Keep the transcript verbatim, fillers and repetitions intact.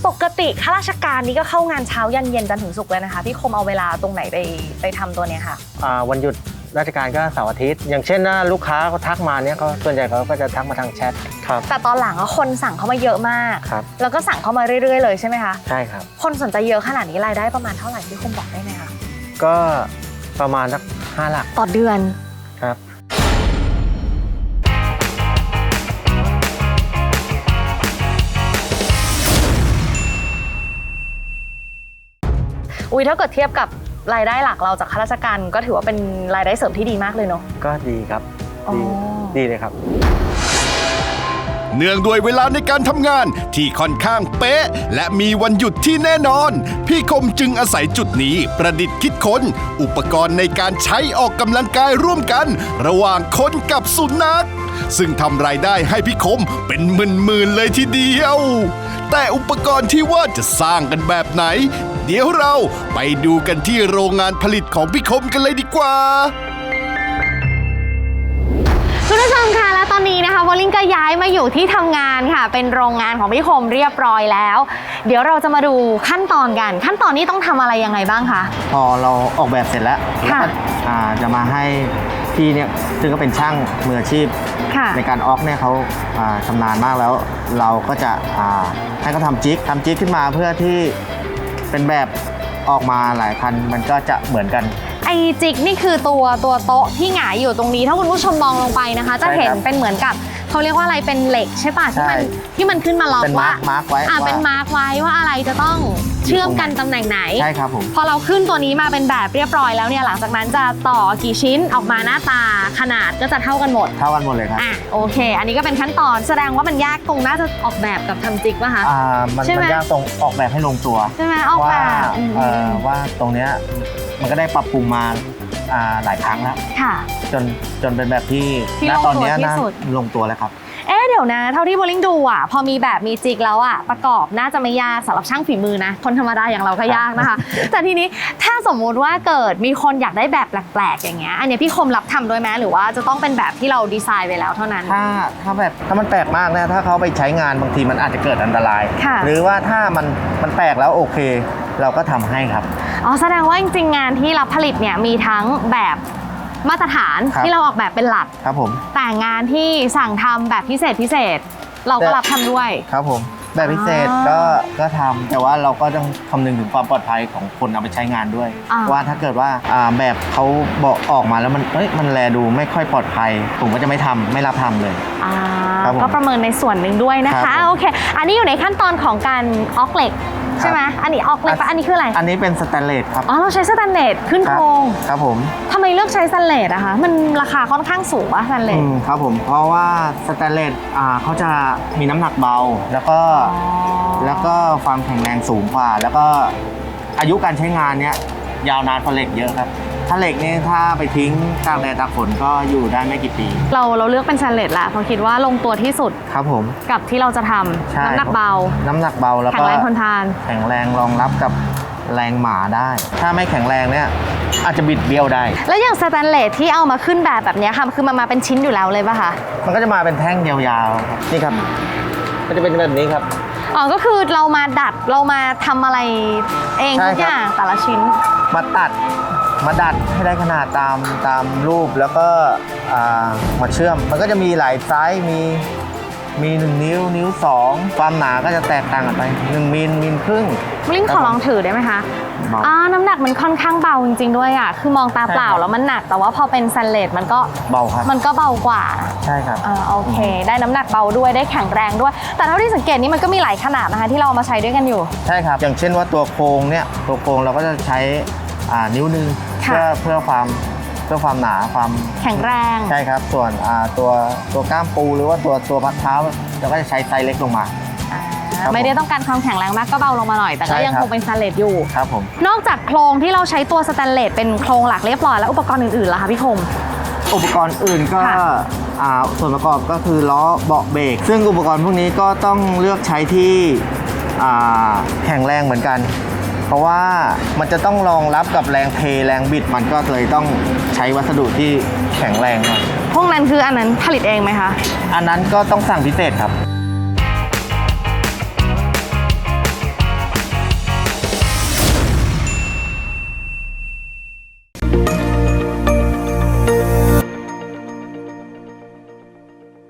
ปกติข้าราชการนี่ก็เข้างานเช้ายันเย็นจันทร์ถึงศุกร์เลยนะคะพี่คมเอาเวลาตรงไหนไปไปทำตัวเนี้ยค่ะวันหยุดราชการก็เสาร์อาทิตย์อย่างเช่นนะลูกค้าเขาทักมาเนี่ยเขาส่วนใหญ่เขาก็จะทักมาทางแชทครับแต่ตอนหลังคนสั่งเข้ามาเยอะมากครับแล้วก็สั่งเข้ามาเรื่อยๆเลยใช่ไหมคะใช่ครับคนสนใจเยอะขนาดนี้รายได้ประมาณเท่าไหร่พี่คมบอกได้ไหมคะก็ประมาณสักห้าหลักต่อเดือนครับอุ้ยถ้าเกิดเทียบกับรายได้หลักเราจากข้าราชการก็ถือว่าเป็นรายได้เสริมที่ดีมากเลยเนาะก็ดีครับดีดีเลยครับเนื่องด้วยเวลาในการทำงานที่ค่อนข้างเป๊ะและมีวันหยุดที่แน่นอนพี่คมจึงอาศัยจุดนี้ประดิษฐ์คิดค้นอุปกรณ์ในการใช้ออกกำลังกายร่วมกันระหว่างคนกับสุนัขซึ่งทำรายได้ให้พี่คมเป็นหมื่นๆเลยทีเดียวแต่อุปกรณ์ที่ว่าจะสร้างกันแบบไหนเดี๋ยวเราไปดูกันที่โรงงานผลิตของพี่คมกันเลยดีกว่าคุณผู้ชมค่ะและตอนนี้นะคะวอลลิงก็ย้ายมาอยู่ที่ทำงานค่ะเป็นโรงงานของพี่คมเรียบร้อยแล้วเดี๋ยวเราจะมาดูขั้นตอนกันขั้นตอนนี้ต้องทำอะไรยังไงบ้างคะพอเราออกแบบเสร็จแล้วค่ะจะมาให้พี่เนี่ยซึ่งก็เป็นช่างมืออาชีพในการออกเนี่ยเขาชำนาญมากแล้วเราก็จะให้เขาทำจิ๊กทำจิ๊กขึ้นมาเพื่อที่เป็นแบบออกมาหลายคันมันก็จะเหมือนกันไอจิกนี่คือตัวตัวโต๊ะที่หงายอยู่ตรงนี้ถ้าคุณผู้ชมมองลงไปนะคะจะเห็นเป็นเหมือนกับเขาเรียกว่าอะไรเป็นเหล็กใช่ป่ะที่มันที่มันขึ้นมาล็อกว่าเป็นมาร์กไว้อ่าเป็นมาร์กไว้ว่าอะไรจะต้องเชื่อมกันตำแหน่งไหนใช่ครับผมพอเราขึ้นตัวนี้มาเป็นแบบเรียบร้อยแล้วเนี่ยหลังจากนั้นจะต่อกี่ชิ้นออกมาหน้าตาขนาดก็จะเท่ากันหมดเท่ากันหมดเลยครับอ่ะโอเคอันนี้ก็เป็นขั้นตอนแสดงว่ามันยากตรงน่าจะออกแบบกับทำจิกป่ะคะอ่ามันยากตรงออกแบบให้ลงตัวใช่ไหมออกแบบว่าตรงเนี้ยมันก็ได้ปรับปรุงมาหลายครั้งแล้วจนจนเป็นแบบที่ณตอนนี้น่าลงตัวแล้วครับเอ๊ะเดี๋ยวนะเท่าที่โบลิ่งดูอ่ะพอมีแบบมีจิกแล้วอ่ะประกอบน่าจะไม่ยากสำหรับช่างฝีมือนะคนธรรมดาอย่างเราก็ยากนะคะแต่ทีนี้ถ้าสมมุติว่าเกิดมีคนอยากได้แบบแปลกๆอย่างเงี้ยอันนี้พี่คมรับทำด้วยไหมหรือว่าจะต้องเป็นแบบที่เราดีไซน์ไว้แล้วเท่านั้นถ้าถ้าแบบถ้ามันแปลกมากนะถ้าเขาไปใช้งานบางทีมันอาจจะเกิดอันตรายหรือว่าถ้ามันมันแปลกแล้วโอเคเราก็ทำให้ครับอ๋อแสดงว่าจริงๆงานที่รับผลิตเนี่ยมีทั้งแบบมาตรฐานที่เราออกแบบเป็นหลักครับผมแต่งานที่สั่งทำแบบพิเศษพิเศษเราก็รับทำด้วยครับผมแบบพิเศษก็ก็ทำแต่ว่าเราก็ต้องคำนึงถึงความปลอดภัยของคนเอาไปใช้งานด้วยว่าถ้าเกิดว่าแบบเขาบอกออกมาแล้วมันเอ้ยมันแลดูไม่ค่อยปลอดภัยผมก็จะไม่ทำไม่รับทำเลยก็ประเมินในส่วนหนึ่งด้วยนะคะโอเคอันนี้อยู่ในขั้นตอนของการออกเหล็กใช่ไหมอันนี้ออกเหล็กปะอันนี้คืออะไรอันนี้เป็นสแตนเลสครับอ๋อเราใช้สแตนเลสขึ้นโครงครับผมทำไมเลือกใช้สแตนเลสอะคะมันราคาค่อนข้างสูงวะสแตนเลสครับผมเพราะว่าสแตนเลสอ่าเขาจะมีน้ำหนักเบาแล้วก็แล้วก็ความแข็งแรงสูงกว่าแล้วก็อายุการใช้งานเนี้ยยาวนานกว่าเหล็กเยอะครับถ้าเหล็กนี่ถ้าไปทิ้งตากแดดตากฝนก็อยู่ได้ไม่กี่ปีเราเราเลือกเป็นสแตนเลสละเพราะคิดว่าลงตัวที่สุดครับผมกับที่เราจะทำน้ำหนักเบาน้ำหนักเบาแล้วก็แข็งแรงทนทานแข็งแรงรองรับกับแรงหมาได้ถ้าไม่แข็งแรงเนี่ยอาจจะบิดเบี้ยวได้แล้วอย่างสแตนเลสที่เอามาขึ้นแบบแบบนี้ค่ะคือมันมาเป็นชิ้นอยู่แล้วเลยป่ะคะมันก็จะมาเป็นแท่งยาวๆนี่ครับก็จะเป็นแบบนี้ครับอ๋อก็คือเรามาดัดเรามาทำอะไรเองทุกอย่างแต่ละชิ้นมาตัดมาดัดให้ได้ขนาดตามตามรูปแล้วก็มาเชื่อมมันก็จะมีหลายไซส์มีมีหนึ่งนิ้วนิ้วสองความหนาก็จะแตกต่างกันไปหนึ่งมิลมิลครึ่งลิงขอลองถือได้ไหมคะอ่าน้ำหนักมันค่อนข้างเบาจริงๆด้วยอ่ะคือมองตาเปล่าแล้วมันหนักแต่ว่าพอเป็นสแตนเลสมันก็เบาครับมันก็เบากว่าใช่ครับอ่าโอเคได้น้ำหนักเบาด้วยได้แข็งแรงด้วยแต่เท่าที่สังเกตนี่มันก็มีหลายขนาดนะคะที่เราเอามาใช้ด้วยกันอยู่ใช่ครับอย่างเช่นว่าตัวโครงเนี่ยตัวโครงเราก็จะใช้อ่านิ้วนึงเพื่อเพื่อความเพื่อความหนาความแข็งแรงใช่ครับส่วนอ่าตัวตัวก้ามปูหรือว่าตัวตัวพักเท้าเราก็จะใช้ไซส์เล็กลงมาไม่ได้ต้องการความแข็งแรงมากก็เบาลงมาหน่อยแต่ก็ยังคงเป็นสแตนเลสอยู่ครับผมนอกจากโครงที่เราใช้ตัวสแตนเลสเป็นโครงหลักเรียบร้อยแล้วอุปกรณ์อื่นๆล่ะคะพี่คมอุปกรณ์อื่นก็ส่วนประกอบก็คือล้อเบาะเบรกซึ่งอุปกรณ์พวกนี้ก็ต้องเลือกใช้ที่แข็งแรงเหมือนกันเพราะว่ามันจะต้องรองรับกับแรงเทแรงบิดมันก็เลยต้องใช้วัสดุที่แข็งแรงหน่อยพวกนั้นคืออันนั้นผลิตเองไหมคะอันนั้นก็ต้องสั่งพิเศษครับ